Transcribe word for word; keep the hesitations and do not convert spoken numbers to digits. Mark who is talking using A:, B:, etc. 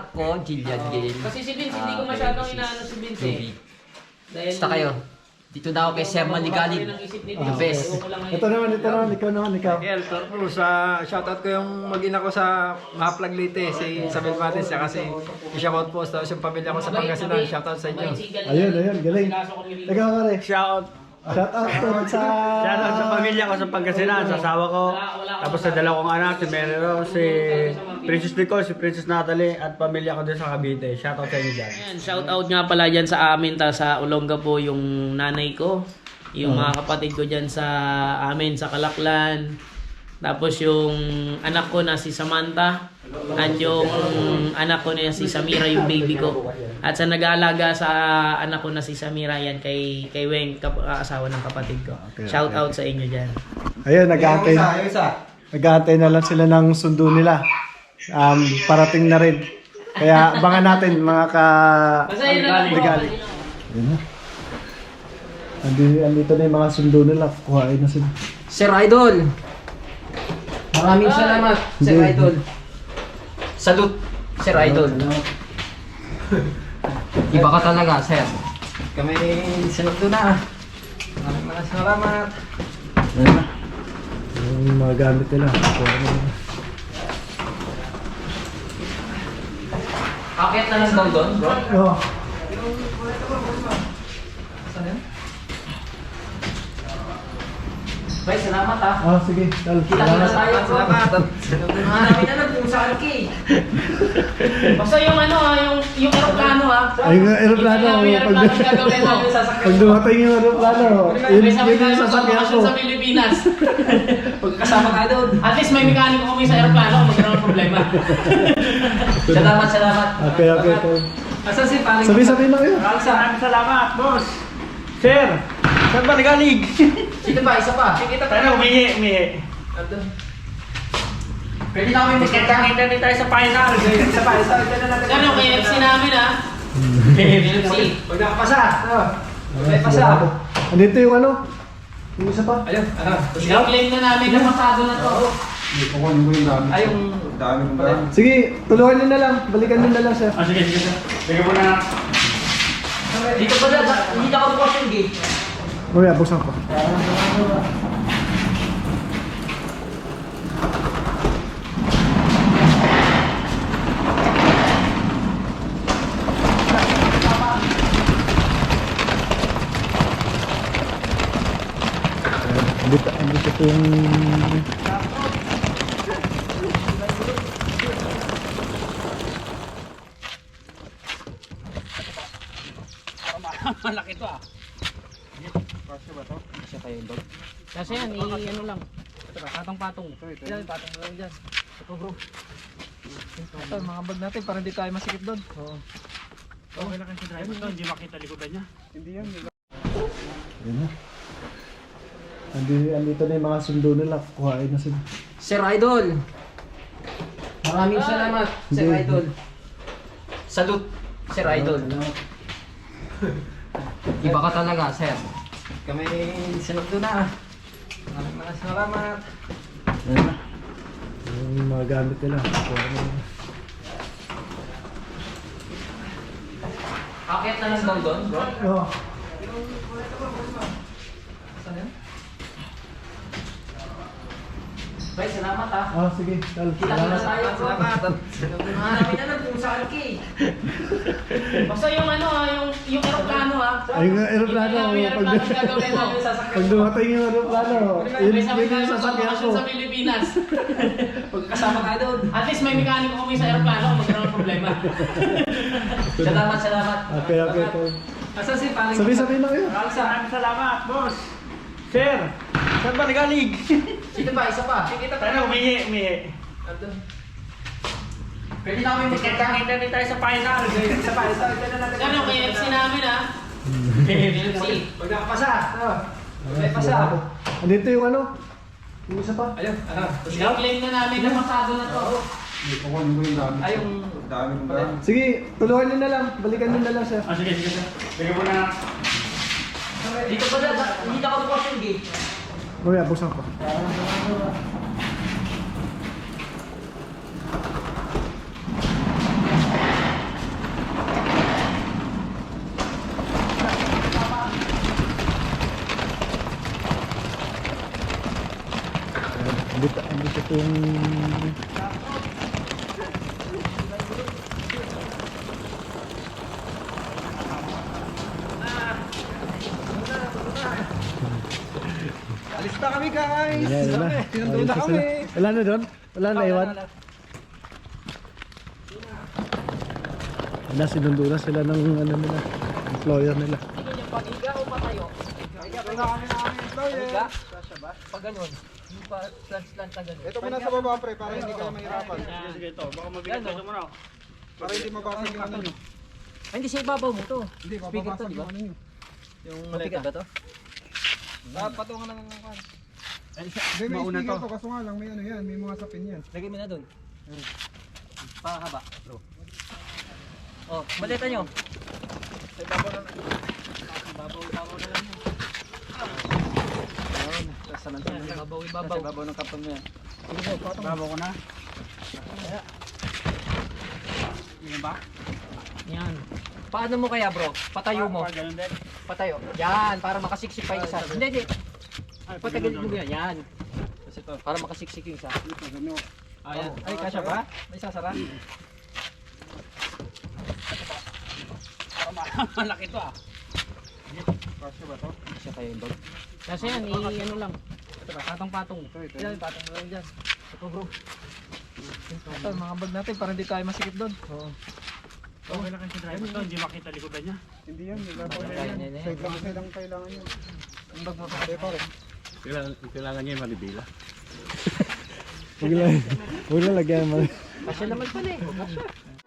A: anak ko, Jillian Gail.
B: Kasi si Vince, hindi
A: Ah,
B: ko masyadong
A: okay,
B: inaano si Vince
A: Ruby.
B: eh. Dahil...
A: Basta kayo. Dito na ako kay Sir Maligalig. The best.
C: Ito naman, ito naman, ikaw naman, ikaw.
D: El Torpo, sa shoutout ko yung mag-ina ko sa Maplag Leyte, si Isabel Matis, siya kasi i-shoutout po, tapos yung pamilya ko sa Pangasinan, shoutout sa inyo.
C: Ayun, ayun, galing. Ikaw pare.
E: Shout
C: Shout out to sa...
E: Shout out sa pamilya ko sa Pangasinan, sa asawa ko. Tapos sa dalawang anak, si Mary Rose, si Princess Nicole, si Princess Natalie, at pamilya ko din sa Cavite. Shout out sa inyo dyan.
B: Ayan, shout out nga pala dyan sa amin, ta sa Olonga po yung nanay ko. Yung mga kapatid ko dyan sa amin, sa Kalaklan. Tapos yung anak ko na si Samantha. At yung anak ko na si Samira, yung baby ko. At sa nag-aalaga sa anak ko na si Samira, yan kay, kay Weng, kap- asawa ng kapatid ko.
C: Okay,
B: Shout
C: okay.
B: out sa inyo dyan.
C: Ayun, nag-aantay. Nag-aantay na lang sila ng sundo nila. Um, parating na rin. Kaya abangan natin mga ka...
B: Basta yun na lang po.
C: Ligali. Ayun na. Andi, andito na yung mga sundo nila. Kuhain na sila.
A: Sir Idol. Maraming salamat, Sir
C: Hindi.
A: Idol. Salute, Sir Idol. Iba ka talaga, Sir.
D: Kami sinundo na. Maraming maraming salamat.
C: Ayun na. Yung mga gamit nila. Kuhain na nila.
A: Akit na lang daw doon, bro.
C: Oh.
A: Bye, salamat ah.
C: Ah, sige. Dal.
A: Kita na tayo, bro.
D: Salamat.
A: Hanapin na lang kung saan ka eh.
B: Basta yung ano ha, yung, yung aeroplano ha.
C: Ay, yung aeroplano.
B: Yung
C: Pag,
B: aeroplano gagawin namin sa sasakyan.
C: pag dumating yung aeroplano, yun,
B: May sabi
C: yun
B: tayo
C: yung sasakyan ko.
B: sa Pilipinas.
A: Pagkasama tayo doon.
B: At least may mekaniko kami sa aeroplano kung magkaroon ng problema.
A: Salamat, salamat.
C: Okay, okay, okay.
A: Asan si Paring?
C: Sabi-sabi na kayo.
E: Maraming salamat, boss. Sir, saan ba nagalig?
A: Sino ba? Isa pa. Kita
E: Tayo, umihi, umihi.
A: Pwede na kami magkita.
E: Kita din tayo sa final.
D: Isa pa, isa, isa na natin.
B: Ano, K F C namin ha. K F C.
D: Huwag nakapasa.
C: May
D: pasa.
C: Andito yung ano? Yung isa pa?
D: Ayun, ano?
B: I-claim na namin na pasado na to.
D: Ay, yung dami kong ba?
C: Sige, tulungan nyo na lang. Balikan nyo na lang, sir.
E: Ah, sige, sige, sir. Sige po na.
A: Dito pa dyan. Hindi na ako bukas yung gate.
C: Mamaya, buksan ko. Andito, andito po yung...
E: Malaki to ah.
B: Kasi yan, i-ano lang. Patong-patong. Yan, patong lang dyan. Ito bro.
D: Ito, mga bag natin para hindi tayo masikip doon. Oo.
E: Okay lang kasi driver to, hindi makita likodan niya.
C: Ayun na. Andi, andito na yung mga sundo nila. Kuhain na sila.
A: Sir Idol. Maraming salamat, Sir
C: Hindi.
A: Idol. Salute, Sir Idol. Iba ka talaga, Sir.
D: Kami sinundo na. Maraming maraming salamat.
C: Ayun na. Yung mga gamit nila. Kuhain na nila.
A: Akit na lang daw doon, bro.
C: Oh.
A: Bye, salamat ah.
C: Ah, sige. Dal.
A: Kita na tayo, bro.
D: Salamat.
A: Hanapin na lang kung saan ka eh.
B: Basta yung ano ha, yung, yung aeroplano ha.
C: Ay, yung aeroplano.
B: Yung
C: Pag,
B: aeroplano gagawin namin sa sasakyan.
C: pag dumating yung aeroplano, yun,
B: May sabi
C: yun
B: tayo
C: yung sasakyan ko.
B: sa Pilipinas.
A: Pagkasama tayo doon.
B: At least may mekaniko kami sa aeroplano kung magkaroon ng problema.
A: Salamat, salamat.
C: Okay, okay, okay.
A: Asan si Paring?
C: Sabi-sabi na kayo.
E: Maraming salamat, boss. Sir, saan ba nagalig?
A: Sino ba? Isa pa.
E: Tayo, umihi, umihi.
A: Pwede na kami magkita.
E: Kita din tayo sa final.
D: Isa pa, isa, isa na natin.
B: Ano, K F C namin ha. K F C.
D: Huwag nakapasa. May pasa.
C: Andito yung ano? Yung isa pa?
D: Ayun, ano?
B: I-claim na namin na pasado na to.
D: Ay, yung dami kong ba?
C: Sige, tulungan nyo na lang. Balikan nyo na lang, sir.
E: Ah, sige, sige, sir. Sige po na.
A: Dito pa dyan. Hindi na ako bukas yung gate.
C: Mamaya, buksan ko. kung
D: Alis na kami guys!
C: Ayan, wala.
D: Tinandoon na
C: Ayos
D: kami!
C: sila. Wala na doon? Wala na iwan? Wala, sinundo na sila ng ano nila, employer nila.
A: Pagiga o patayo?
D: Ito na kami na kami employer!
A: Pag ganun. Yung pa slant-slant na ganun.
D: Ito muna sa baba pre, para hindi kayo mahirapan.
E: Sige, sige ito. Baka mabigat
A: Ano?
E: ito mo na.
D: Para hindi mabasag yung ano nyo.
A: Ay, hindi siya ibabaw mo to.
D: Hindi,
A: Speaker to,
D: mababasag
A: di ba?
D: yung ano nyo. Yung
A: Mabigat ba to?
D: Ah, patungan na ng kan.
A: Ay,
D: Hindi, may
E: Mauna
D: speaker
E: to.
D: to, kaso nga lang may ano yan, may mga sapin yan.
A: lagay mo na dun. Pakahaba, bro. Oh, malita nyo.
D: Sa ibabaw na
A: Ibabaw, ibabaw na lang.
D: Ayun, sa lansan na
A: Ibabaw,
D: Sa
A: ibabaw.
D: ibabaw ng karton mo yan.
E: Bravo ko na. Yan ba?
A: Yan. Paano mo kaya, bro? Patayo mo.
E: Pa- Ganun din.
A: Patayo. Yan, para makasiksik pa yung isa. Hindi, hindi.
E: Ay,
A: Patagilid mo yan. Yan.
D: Kasi to.
A: Para makasiksik yung isa.
E: Ganun.
A: Ayan.
D: Ay, kasya ba? May sasara?
E: Malaki to ah.
D: Kasya ba to?
A: Siya kayo yung bag.
B: Kasi yan, i ano lang. Patong-patong.
D: Ito, ito.
A: Yan, patong mo lang dyan. Ito, bro. Ito, mga bag natin para hindi tayo masikip doon. Oo.
E: Okay na kasi driver to, hindi makita likodan niya.
D: Hindi yan, hindi lang.
A: Yan, yan, yan.
D: Side lang kasi lang kailangan yun.
A: Ang bag mo pa.
D: Hindi pare.
E: Kailangan, kailangan niya yung malibila.
C: Huwag lang, huwag lang lagyan mo.
A: Kasya naman pala eh.